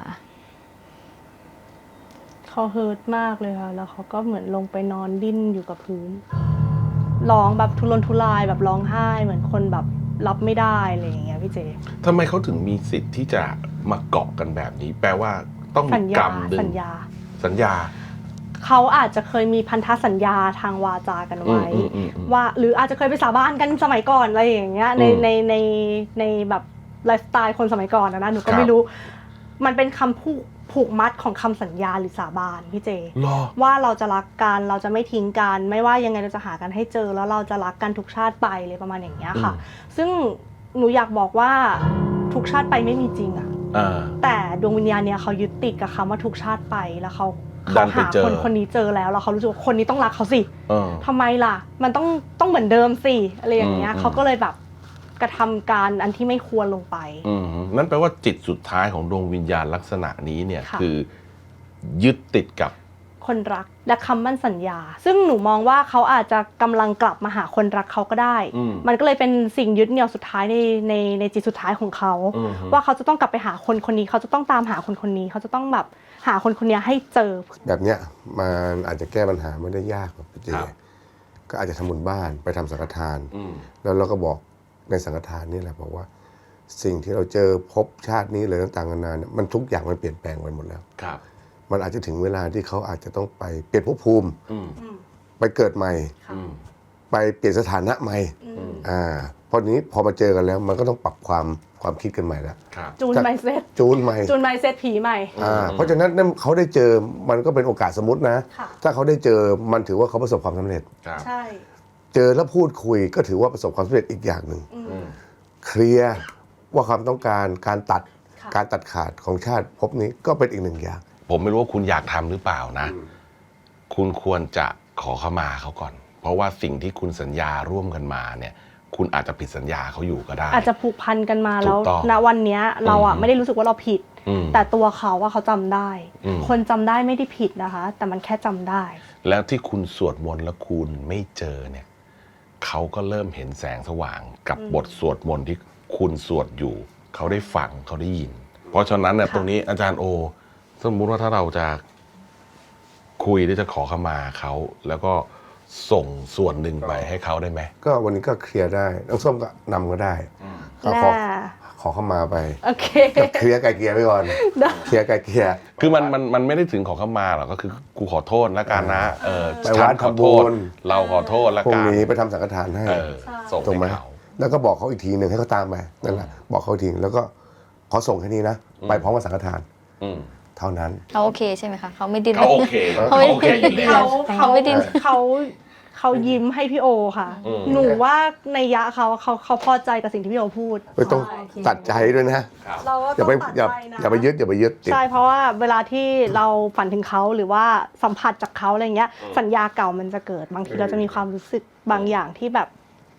Speaker 3: เขาเฮิร์ตมากเลยค่ะ แล้วเขาก็เหมือนลงไปนอนดิ้นอยู่กับพื้น ร้องแบบทุรนทุรายแบบร้องไห้ เหมือนคนแบบรับไม่ได้อะไรอย่างเงี้ยพี่เจ
Speaker 4: ทำไมเขาถึงมีสิทธิ์ที่จะมาเกาะกันแบบนี้ แปลว่าต้อง
Speaker 3: สั
Speaker 4: มี
Speaker 3: ญ
Speaker 4: กร
Speaker 3: ญาร
Speaker 4: มดึง
Speaker 3: สัญญา
Speaker 4: สัญญา
Speaker 3: เขาอาจจะเคยมีพันธสัญญาทางวาจากันไว้
Speaker 4: อืมอืมอืม
Speaker 3: ว่าหรืออาจจะเคยไปสาบานกันสมัยก่อนอะไรอย่างเงี้ยใน
Speaker 4: อืม
Speaker 3: ในในในแบบไลฟ์สไตล์คนสมัยก่อนนะนะหนูก็
Speaker 4: ครับ
Speaker 3: ไม่รู้ มันเป็นคำผูกผูกมัดของคำสัญญาหรือสาบานพี่เจ
Speaker 4: รอ
Speaker 3: ว่าเราจะรักกันเราจะไม่ทิ้งกัน ไม่ว่ายังไงเราจะหากันให้เจอ แล้วเราจะรักกันทุกชาติไปเลยประมาณอย่างเงี้ยค่ะ
Speaker 4: อืม
Speaker 3: ซึ่งหนูอยากบอกว่าทุกชาติไปไม่มีจริงอะ
Speaker 4: อ่า
Speaker 3: แต่ดวงวิญญาณเนี่ยเขายึดติดกับคำว่าทุกชาติไปแล้วเขา
Speaker 4: ดั
Speaker 3: เขา
Speaker 4: นไป
Speaker 3: หา
Speaker 4: เจอ
Speaker 3: คนคนนี้เจอแล้วแล้วเขารู้สึกว่าคนนี้ต้องรักเขาสิ
Speaker 4: เออ
Speaker 3: ทำไมล่ะ มันต้องต้องเหมือนเดิมสิอะไรอย่างเงี้ย
Speaker 4: อืม
Speaker 3: เขาก็เลยแบบกระทำการอันที่ไม่ควรลงไป
Speaker 4: อืมนั่นแปลว่าจิตสุดท้ายของดวงวิญญาณลักษณะนี้เนี่ย
Speaker 3: ค่ะ
Speaker 4: คือยึดติดกับ
Speaker 3: คนรักและคำมั่นสัญญา ซึ่งหนูมองว่าเขาอาจจะกำลังกลับมาหาคนรักเขาก็ได้
Speaker 4: อืม
Speaker 3: มันก็เลยเป็นสิ่งยึดเหนี่ยวสุดท้ายในในในจิตสุดท้ายของเขา
Speaker 4: อืม
Speaker 3: ว่าเขาจะต้องกลับไปหาคนคนนี้ เขาจะต้องตามหาคนคนนี้ เขาจะต้องแบบหาคนคนนี้ให้เจอ
Speaker 6: แบบเนี้ยมันอาจจะแก้ปัญหาไม่ได้ยากหรอกพี่เจ
Speaker 4: ครับ
Speaker 6: ก็อาจจะทำบุญบ้านไปทำสังฆทาน
Speaker 4: อืม
Speaker 6: แล้วเราก็บอกในสังฆทานนี่แหละบอกว่า สิ่งที่เราเจอพบชาตินี้เลยต่างๆนานาเนี่ยมันทุกอย่างมันเปลี่ยนแปลงไปหมดแล้ว
Speaker 4: ครับ
Speaker 6: มันอาจจะถึงเวลาที่เขาอาจจะต้องไปเปลี่ยนภพภูมิ
Speaker 4: อืม
Speaker 6: ไปเกิดใหม่
Speaker 4: อืม
Speaker 6: ไปเปลี่ยนสถานะใหม่อ่าเพราะนี้พอมาเจอกันแล้ว มันก็ต้องปรับความความคิดกันใหม่แล้ว
Speaker 4: ครับ
Speaker 3: จูนไมเซ็ต
Speaker 6: จูนใหม่
Speaker 3: จูนไมเซ็ตผีใหม่
Speaker 6: อ่าเพราะฉะนั้นนั่นเขาได้เจอมันก็เป็นโอกาสสมมตินะ
Speaker 3: ค่ะ
Speaker 6: ถ้าเขาได้เจอมันถือว่าเขาประสบความสำเร็จ
Speaker 4: ครับ
Speaker 3: ใช่
Speaker 6: เจอแล้วพูดคุยก็ถือว่าประสบความสำเร็จอีกอย่างหนึ่ง
Speaker 4: อืม
Speaker 6: เคลียร์ว่าความต้องการการตัด
Speaker 3: ค่ะ
Speaker 6: การตัดขาดของชาติภพนี้ก็เป็นอีกหนึ่งอย่าง
Speaker 4: ผมไม่รู้ว่าคุณอยากทำหรือเปล่านะ คุณควรจะขอเข้ามาเขาก่อน เพราะว่าสิ่งที่คุณสัญญาร่วมกันมาเนี่ย คุณอาจจะผิดสัญญาเขาอยู่ก็ได้
Speaker 3: อาจจะผูกพันกันมาแล้ว
Speaker 4: ถูกต้อง
Speaker 3: ณวันเนี้ยเราอ่ะ
Speaker 4: อืม
Speaker 3: ไม่ได้รู้สึกว่าเราผิด
Speaker 4: อืม
Speaker 3: แต่ตัวเขาว่าเขาจำได้
Speaker 4: อืม
Speaker 3: คนจำได้ไม่ได้ผิดนะคะ แต่มันแค่จำได้
Speaker 4: แล้วที่คุณสวดมนต์แล้วคุณไม่เจอเนี่ยเขาก็เริ่มเห็นแสงสว่างกับบทสวดมนต์ที่คุณสวดอยู่ เขาได้ฟังเขาได้ยิน เพราะฉะนั้นเนี่ย
Speaker 3: ค่ะ
Speaker 4: ตรงนี้อาจารย์โอ สมมุติว่าถ้าเราจะคุยหรือจะขอขมาเขาแล้วก็ส่งส่วนหนึ่งไปให้เขาได้ไหม
Speaker 6: ก็วันนี้ก็เคลียร์ได้น้องส้มก็นำก็ได้ก็ขอ
Speaker 3: น่า
Speaker 6: ขอเข้ามาไป
Speaker 3: โอเค
Speaker 6: เคลียร์ไกลเกลียร์ไปก่อน
Speaker 3: ได้
Speaker 6: เคลียร์ไกลเกลียร์
Speaker 4: คือมันมันมันไม่ได้ถึงขอขมาหรอกก็คือกูขอโทษแล้วกันนะเออ
Speaker 6: ไปวัด
Speaker 4: ฉันขอ
Speaker 6: ทำบุ
Speaker 4: โทษ
Speaker 6: ญ
Speaker 4: เราขอโทษแล้ว
Speaker 6: พรุ่
Speaker 4: กั
Speaker 6: ง
Speaker 4: น
Speaker 6: นี้ไปทำสังฆทานให้
Speaker 4: เออส่ง
Speaker 6: ถูกไหม
Speaker 4: ให้เขา
Speaker 6: แล้วก็บอกเขาอีกทีหนึ่งให้เขาตามไปนั่นแหละบอกเขาอีกทีแล้วก็ขอส่งแค่นี้นะ ไปพร้อมกับสังฆทาน
Speaker 4: อืม
Speaker 6: เท่านั้น
Speaker 7: เขาโอเคใช่ไหมคะเขาไม่ดิ้น
Speaker 4: เขาโอเค
Speaker 7: เขาไม่
Speaker 4: เขาโอเคอยู่แล้
Speaker 3: เขา
Speaker 4: ว
Speaker 3: เขา
Speaker 7: ไม่ดิ้น
Speaker 3: เขาเขายิ้มให้พี่โอค่ะ
Speaker 4: อืม
Speaker 3: หนูว่าในยะเขาเขาเขาพอใจกับสิ่งที่พี่โอพูด
Speaker 6: ไม่ต้องตัดใจด้วยนะ
Speaker 4: ครับ
Speaker 3: เราก็
Speaker 6: อย่า
Speaker 3: ต้
Speaker 6: ไป
Speaker 3: องตัด
Speaker 6: อย่า
Speaker 3: ใจนะ
Speaker 6: อย่าไปยึดอย่าไปยึดติด
Speaker 3: ใช่เพราะว่าเวลาที่เราฝันถึงเขาหรือว่าสัมผัสจากเขาอะไรเงี้ย สัญญาเก่ามันจะเกิดบางทีเราจะมีความรู้สึกบางอย่างที่แบบ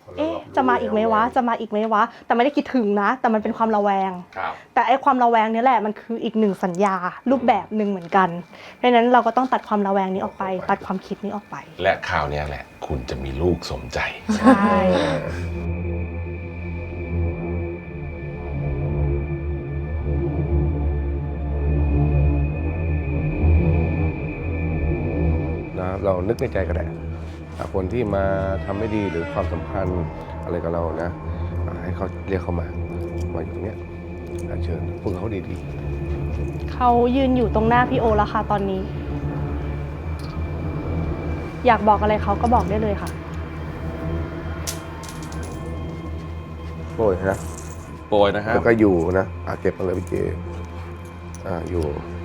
Speaker 3: เอ๊ะจะมาอีกไหมวะจะมาอีกไหมวะแต่ไม่ได้คิดถึงนะแต่มันเป็นความระแวงแต่ไอ้ความระแวงนี้แหละมันคืออีกหนึ่งสัญญารูปแบบหนึ่งเหมือนกันเพราะฉะนั้นเราก็ต้องตัดความระแวงนี้ออกไปตัดความคิดนี้ออกไป
Speaker 4: และคราวนี้แหละคุณจะมีลูกสมใจ
Speaker 3: ใช่
Speaker 6: นะเรานึกในใจก็ได้คนที่มาทำไม่ดีหรือความสัมพันธ์อะไรกับเรานะให้เขาเรียกเขามามาอยู่ตรงนี้เชิญพูดเขาดี
Speaker 3: ๆเขายืนอยู่ตรงหน้าพี่โอแล้วค่ะตอนนี้อยากบอกอะไรเขาก็บอกได้เลยค่ะ
Speaker 6: โปรยนะ
Speaker 4: โปรยนะครับ
Speaker 6: แล้วก็อยู่นะอาเก็บมาเลยพี่เจอ่าอยู่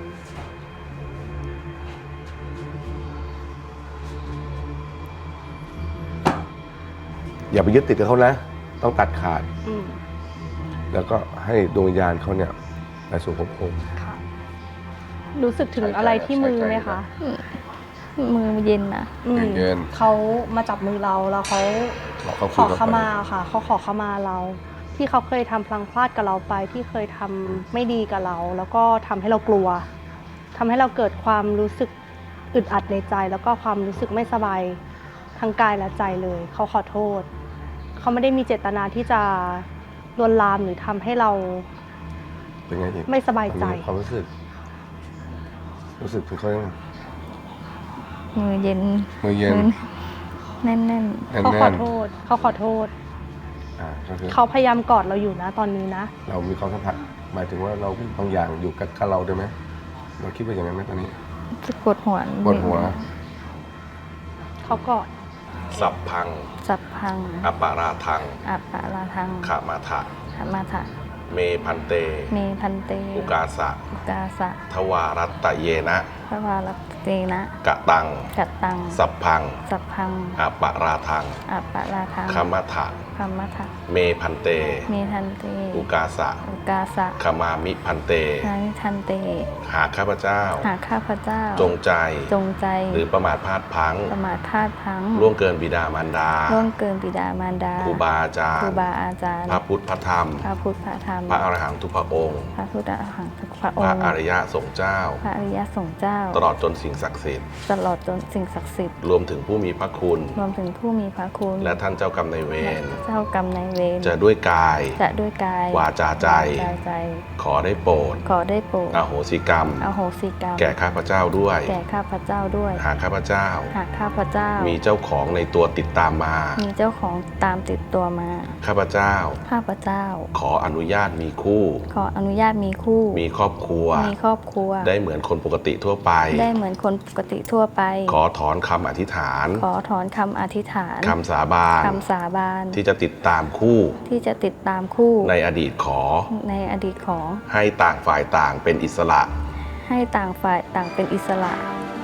Speaker 6: อย่าไปยึดติดกับเขานะต้องตัดขาดแล้วก็ให้ดวงวิญญาณเขาเนี่ยไปสู่ภพภูมิ
Speaker 3: รู้สึกถึงอะไรที่มือไหมคะ
Speaker 7: มือเย็นนะ
Speaker 6: เย็น
Speaker 3: เขามาจับมือเราแล้วเขาขอขมาค่ะเขาขอขมาเราที่เขาเคยทำพลังพลาดกับเราไปที่เคยทำไม่ดีกับเรา แล้วก็ทำให้เรากลัวทำให้เราเกิดความรู้สึกอึดอัดในใจ แล้วก็ความรู้สึกไม่สบายทั้งกายและใจเลยเขาขอโทษเขาไม่ได้มีเจตนาที่จะลวนลามหรือทำให้เรา
Speaker 6: เป็นไง
Speaker 3: ไม่สบายใจ
Speaker 6: ความรู้สึกรู้สึกถึงเขา
Speaker 7: มือเย็น
Speaker 6: มือเย็น
Speaker 7: แน่น
Speaker 3: ๆเขาขอโทษเขาขอโทษเขาพยายามกอดเราอยู่นะตอนนี้นะ
Speaker 6: เรามีความสัมพันธ์หมายถึงว่าเราบางอย่างอยู่กับเราได้ไหมเราคิดว่าอย่างนั้นไหมตอนนี้
Speaker 7: จะปวดหัว
Speaker 6: ปวดหัว
Speaker 3: เขากอด
Speaker 4: สัพพัง
Speaker 7: สัพพัง
Speaker 4: อปาราทัง
Speaker 7: อปาราทัง
Speaker 4: ขามาทะ
Speaker 7: ขามาทะ
Speaker 4: เมพันเต
Speaker 7: เมพันเต
Speaker 4: อุกาสะ
Speaker 7: อุกาสะ
Speaker 4: ทวารัตตเยนะ
Speaker 7: ทวารัตเตนะ
Speaker 4: กะตัง
Speaker 7: กะตัง
Speaker 4: สัพพัง
Speaker 7: สัพพัง
Speaker 4: อปาราทัง
Speaker 7: อปาราทัง
Speaker 4: ขามาทะ
Speaker 7: ขามาทะ
Speaker 4: เมพันเต
Speaker 7: เมพันเต
Speaker 4: อุกาสะ
Speaker 7: อุกาสะ
Speaker 4: ขามามิพันเต
Speaker 7: นามิพันเต
Speaker 4: หากข้าพเจ้า
Speaker 7: หากข้าพเจ้า
Speaker 4: จงใจ
Speaker 7: จงใจ
Speaker 4: หรือประมาทพลาดพลั้ง
Speaker 7: ประมาทพลาดพลั้ง
Speaker 4: ล่วงเกินบิดามารดา
Speaker 7: ล่วงเกินบิดามารดา
Speaker 4: ครูบาอาจารย์
Speaker 7: ครูบาอาจารย์
Speaker 4: พระพุทธพระธรรม
Speaker 7: พระพุทธพระธรรม
Speaker 4: พระอรหันตุพระองค์
Speaker 7: พระพุทธอรหันตุพระองค์
Speaker 4: พระอริยสงฆ์เจ้า
Speaker 7: พระอริยสงฆ์เจ้า
Speaker 4: ตลอดจนสิ่งศักดิ์สิทธิ์
Speaker 7: ตลอดจนสิ่งศักดิ์สิทธิ์
Speaker 4: รวมถึงผู้มีพระคุณ
Speaker 7: รวมถึงผู้มีพระคุณ
Speaker 4: และท่านเจ้ากรรมนายเวร
Speaker 7: เจ้ากรรมนายเวร
Speaker 4: จะด้วยกาย
Speaker 7: จะด้วยกายว
Speaker 4: าจาใจขอได้โปรด
Speaker 7: ขอได้โปรด
Speaker 4: อโหสิกรรม
Speaker 7: อโหสิกรรม
Speaker 4: แก่ข้าพเจ้าด้วย
Speaker 7: แก่ข้าพเจ้าด้วย
Speaker 4: หากข้าพเจ้า
Speaker 7: หากข้าพเจ้า
Speaker 4: มีเจ้าของในตัวติดตามมา
Speaker 7: มีเจ้าของตามติดตัวมา
Speaker 4: ข้าพเจ้า
Speaker 7: ข้าพเจ้า
Speaker 4: ขออนุญาตมีคู่
Speaker 7: ขออนุญาตมีคู่
Speaker 4: มีครอบครัว
Speaker 7: มีครอบครัว
Speaker 4: ได้เหมือนคนปกติทั่วไป
Speaker 7: ได้เหมือนคนปกติทั่วไป
Speaker 4: ขอถอนคำอธิษฐาน
Speaker 7: ขอถอนคำอธิษฐาน
Speaker 4: คำสาบาน
Speaker 7: คำสาบาน
Speaker 4: ที่จะติดตามคู่
Speaker 7: ที่จะติดตามคู่
Speaker 4: ในอดีตขอ
Speaker 7: ในอดีตขอ
Speaker 4: ให้ต่างฝ่ายต่างเป็นอิสระ
Speaker 7: ให้ต่างฝ่ายต่างเป็นอิสระ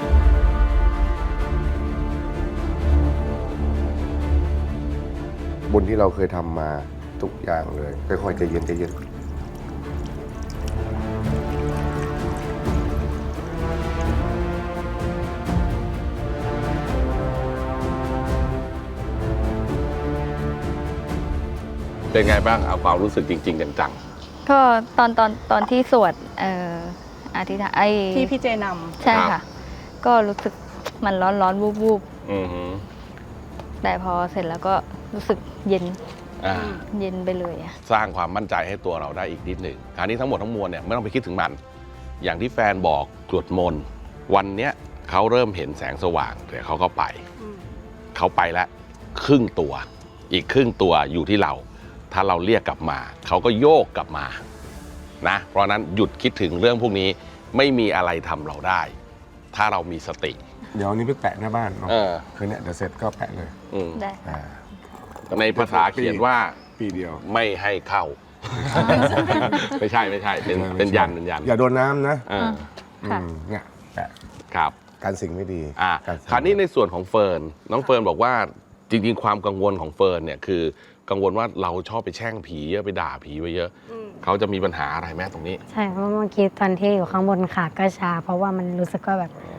Speaker 6: บุญที่เราเคยทำมาทุกอย่างเลยค่อยๆใจเย็นใจเย็น
Speaker 4: เป็นไงบ้างเอาความรู้สึกจริงๆจัง
Speaker 7: ๆก็ตอนตอนตอนที่สวดเอ่ออธิษฐานไอ้
Speaker 3: ที่พี่เจนำ
Speaker 7: ใช่ค่ะก็รู้สึกมันร้อนร้อนวูบวูบแต่พอเสร็จแล้วก็รู้สึกเย็นเย็นไปเลย
Speaker 4: สร้างความมั่นใจให้ตัวเราได้อีกนิดหนึ่งคราวนี้ทั้งหมดทั้งมวลเนี่ยไม่ต้องไปคิดถึงมันอย่างที่แฟนบอกกรวดมนต์วันเนี้ยเขาเริ่มเห็นแสงสว่างเดี๋ยวเขาก็ไปเขาไปแล้วครึ่งตัวอีกครึ่งตัวอยู่ที่เราถ้าเราเรียกกลับมาเขาก็โยกกลับมานะเพราะนั้นหยุดคิดถึงเรื่องพวกนี้ไม่มีอะไรทำเราได้ถ้าเรามีสติ
Speaker 6: เดี๋ยวนี้ไปแปะหน้าบ้านเนาะคือเนี่ยเดี๋ยวเสร็จก็แปะเลย
Speaker 7: ได้
Speaker 4: ในภาษาเขียนว่า
Speaker 6: ปีเดียว
Speaker 4: ไม่ให้เข้าไม่ใช่ไม่ใช่เป็นเป็นยันเป็นยัน
Speaker 6: อย่าโดนน้ำนะ
Speaker 7: เนี่ย
Speaker 6: แปะ
Speaker 4: ครับ
Speaker 6: การสิ่งไม่ดี
Speaker 4: อ่าคราวนี้ในส่วนของเฟิร์นน้องเฟิร์นบอกว่าจริงๆความกังวลของเฟิร์นเนี่ยคือกังวลว่าเราชอบไปแช่งผีเยอะไปด่าผีไว้เยอะเขาจะมีปัญหาอะไรแม่ตรงนี้
Speaker 5: ใช่เพราะเมื่อกี้ตอนที่อยู่ข้างบนขาก็ชาเพราะว่ามันรู้สึกว่าแบบ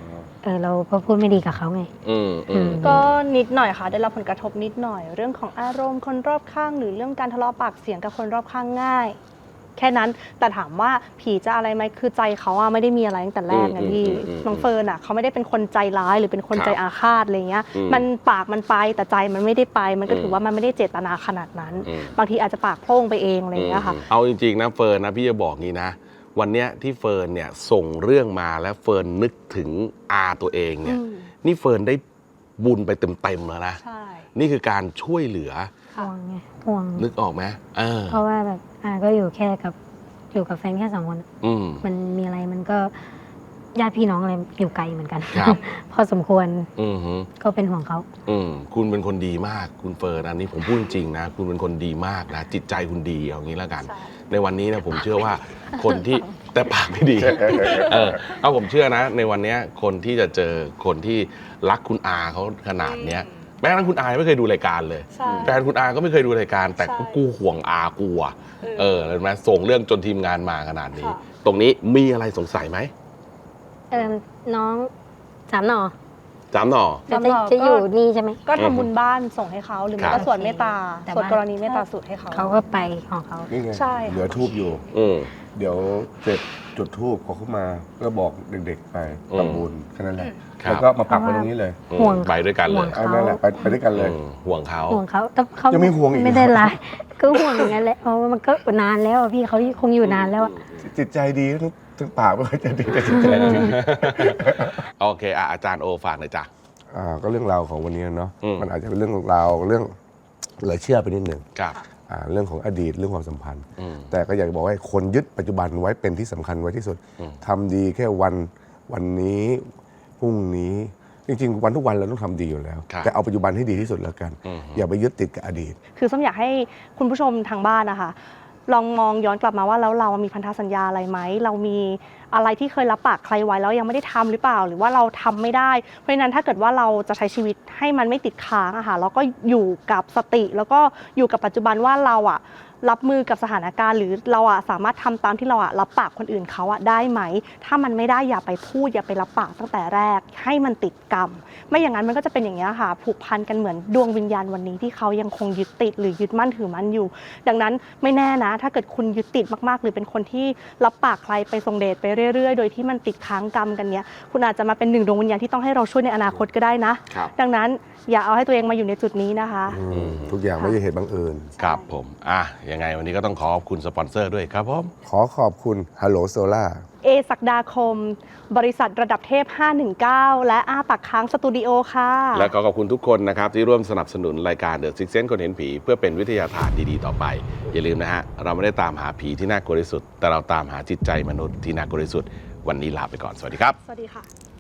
Speaker 5: เออเราพอพูดไม่ดีกับเขาไง
Speaker 4: อืมอืม
Speaker 3: ก็นิดหน่อยค่ะได้รับผลกระทบนิดหน่อย เรื่องของอารมณ์คนรอบข้างหรือเรื่องการทะเลาะปากเสียงกับคนรอบข้างง่าย แค่นั้นแต่ถามว่าผีจะอะไรไหมคือใจเขาอะไม่ได้มีอะไรตั้งแต่แรกนะพี่น้องเฟิร์นอะเขาไม่ได้เป็นคนใจร้ายหรือเป็นคนใจอาฆาตอะไรเงี้ยมันปากมันไปแต่ใจมันไม่ได้ไป มันก็ถือว่ามันไม่ได้เจตนาขนาดนั้น บางทีอาจจะปากโพร่งไปเองอะไรเงี้ยค่ะ
Speaker 4: เอาจริงๆนะเฟิร์นนะพี่จะบอกงี้นะวันเนี้ยที่เฟิร์นเนี่ยส่งเรื่องมาแล้วเฟิร์นนึกถึงอาตัวเองเนี่ยนี่เฟิร์นได้บุญไปเต็มๆแล้วนะ
Speaker 3: ใช่
Speaker 4: นี่คือการช่วยเหลือ
Speaker 5: ห่วงไงห่วง
Speaker 4: นึกออกไหมเออ
Speaker 5: เพราะว่าแบบอ่าก็อยู่แค่กับอยู่กับแฟนแค่สองคน
Speaker 4: อืม
Speaker 5: มันมีอะไรมันก็ญาติพี่น้องอะไรอยู่ไกลเหมือนกัน
Speaker 4: ครับ
Speaker 5: พอสมควร
Speaker 4: อืมฮึ
Speaker 5: ก็เป็นห่วงเขา
Speaker 4: อืมคุณเป็นคนดีมากคุณเฟิร์นอันนี้ผมพูดจริงๆนะคุณเป็นคนดีมากนะจิตใจคุณดีเอางี้แล้วกัน
Speaker 3: ใช่
Speaker 4: ในวันนี้นะผมเชื่อว่าคนที่แต่ปากไม่ดี เออเอาผมเชื่อนะ ในวันเนี้ยคนที่จะเจอคนที่รักคุณอาเขาขนาดเนี้ยแม้กระทั่งคุณอาไม่เคยดูรายการเลย
Speaker 3: ใช่
Speaker 4: แฟนคุณอาก็ไม่เคยดูรายการ แต่
Speaker 3: ใช่
Speaker 4: ก็กูห่วงอากูอ่ะเออเห็นไหมส่งเรื่องจนทีมงานมาขนาดนี้
Speaker 3: ค่ะ
Speaker 4: ตรงนี้มีอะไรสงสัยไหม
Speaker 5: เออน้องสามหน่อ
Speaker 4: จำหน่อ
Speaker 5: จะ
Speaker 3: สามหน่อ
Speaker 5: จะอยู่
Speaker 3: ก็
Speaker 5: นี่ใช่ไหม
Speaker 3: ก็ทำบุญบ้านส่งให้เขาหรือไม่
Speaker 4: ครั
Speaker 3: ก็
Speaker 4: บ
Speaker 3: สวดเมตตา
Speaker 5: แต่
Speaker 3: สวด
Speaker 5: ว่า
Speaker 3: กรณีเมตตาสูตรให้เขา
Speaker 5: เขาก็ไปของเขา
Speaker 6: นี่ไง
Speaker 3: ใช่ค่ะ
Speaker 6: เหลือทูบอยู่
Speaker 4: อืม
Speaker 6: เดี๋ยวเสร็จจุดทูบพอเข้ามาก็บอกเด็กๆไป
Speaker 4: อืม
Speaker 6: ทำบุญแค่นั้นแหละ
Speaker 4: ครับ
Speaker 6: แล้วก็มาปักไว้ตรงนี้เลย
Speaker 4: อืม
Speaker 5: ห่วง
Speaker 4: ไปด้วยกันเล
Speaker 5: ห่วง
Speaker 4: ย
Speaker 6: เอานั่นแหละไปไปด้วยกันเลย
Speaker 4: อืมห่วงเขา
Speaker 5: ห่วงเขาแต่เขา
Speaker 6: ยังไม่ห่วงอีก
Speaker 5: ไม่ได้ร้ายก็ห่วงอย่างนั้นแหละเพราะว่ามันก็นานแล้วอะพี่เขาคงอยู่นานแล้วอะ
Speaker 6: จิตใจดีทั้งทั้งปากไม่ค่อยจะดีแต่จิตใจดี
Speaker 4: โอเคอ่ะอาจารย์โอฝากหน่อยจ้ะ
Speaker 6: อ่าก็เรื่องราวของวันนี้เนาะ
Speaker 4: อืม
Speaker 6: มันอาจจะเป็นเรื่องราวเรื่องเหลือเชื่อไปนิดหนึ่ง
Speaker 4: ครับ
Speaker 6: อ่าเรื่องของอดีตเรื่องความสัมพันธ์
Speaker 4: อืม
Speaker 6: แต่ก็อยากจะบอกให้คนยึดปัจจุบันไว้เป็นที่สำคัญไว้ที่สุด
Speaker 4: อืม
Speaker 6: ทำดีแค่วันวันนี้พรุ่งนี้จริงๆ วันทุกวันเราต้องทำดีอยู่แล้ว
Speaker 4: ครับ
Speaker 6: แต่เอาปัจจุบันให้ดีที่สุดแล้วกัน
Speaker 4: อืม
Speaker 6: อย่าไปยึดติดกับอดีต
Speaker 3: คือส้มอยากให้คุณผู้ชมทางบ้านนะคะลองมองย้อนกลับมาว่าแล้วเรามีพันธสัญญาอะไรไหมเรามีอะไรที่เคยรับปากใครไว้แล้วยังไม่ได้ทำหรือเปล่า หรือว่าเราทำไม่ได้เพราะฉะนั้นถ้าเกิดว่าเราจะใช้ชีวิตให้มันไม่ติดค้างอะค่ะแล้วก็อยู่กับสติ แล้วก็อยู่กับปัจจุบันว่าเราอะรับมือกับสถานการณ์หรือเราอะสามารถทำตามที่เราอะรับปากคนอื่นเขาอะได้ไหมถ้ามันไม่ได้อย่าไปพูดอย่าไปรับปากตั้งแต่แรกให้มันติดกรรม ไม่อย่างนั้นมันก็จะเป็นอย่างนี้ยค่ะผูกพันกันเหมือนดวงวิญญาณวันนี้ที่เขายังคงยึดติดหรือยึดมั่นถือมั่นอยู่ ดังนั้นไม่แน่นะ ถ้าเกิดคุณยึดติดมากๆ หรือเป็นคนที่รับปากใครไปทรงเดชไปเรื่อยๆ โดยที่มันติดค้างกรรมกันเนี้ยคุณอาจจะมาเป็นหนึ่งดวงวิญญาณที่ต้องให้เราช่วยในอนาคตก็ได้นะ
Speaker 4: ครับ
Speaker 3: ดังนั้นอย่าเอาให้ตัวเองมาอยู่ในจุดนี้นะคะ
Speaker 6: อืมทุกอย่างไม่ใช่เหตุบังเอิญ
Speaker 4: ครับผมอ่ะยังไงวันนี้ก็ต้องขอขอบคุณสปอนเซอร์ด้วยครับผม
Speaker 6: ขอขอบคุณ Hello Solar
Speaker 3: เอศักดาคม บริษัทระดับเทพ ห้าหนึ่งเก้า และอ้าปากค้างสตูดิโอค่ะ
Speaker 4: และขอขอบคุณทุกคนนะครับ ที่ร่วมสนับสนุนรายการ The Six Sense คนเห็นผี เพื่อเป็นวิทยาทานดีๆต่อไป อย่าลืมนะฮะ เราไม่ได้ตามหาผีที่น่ากลัวที่สุด แต่เราตามหาจิตใจมนุษย์ที่น่ากลัวที่สุด วันนี้ลาไปก่อน สวัสดีครับ
Speaker 3: สวัสดีค่ะ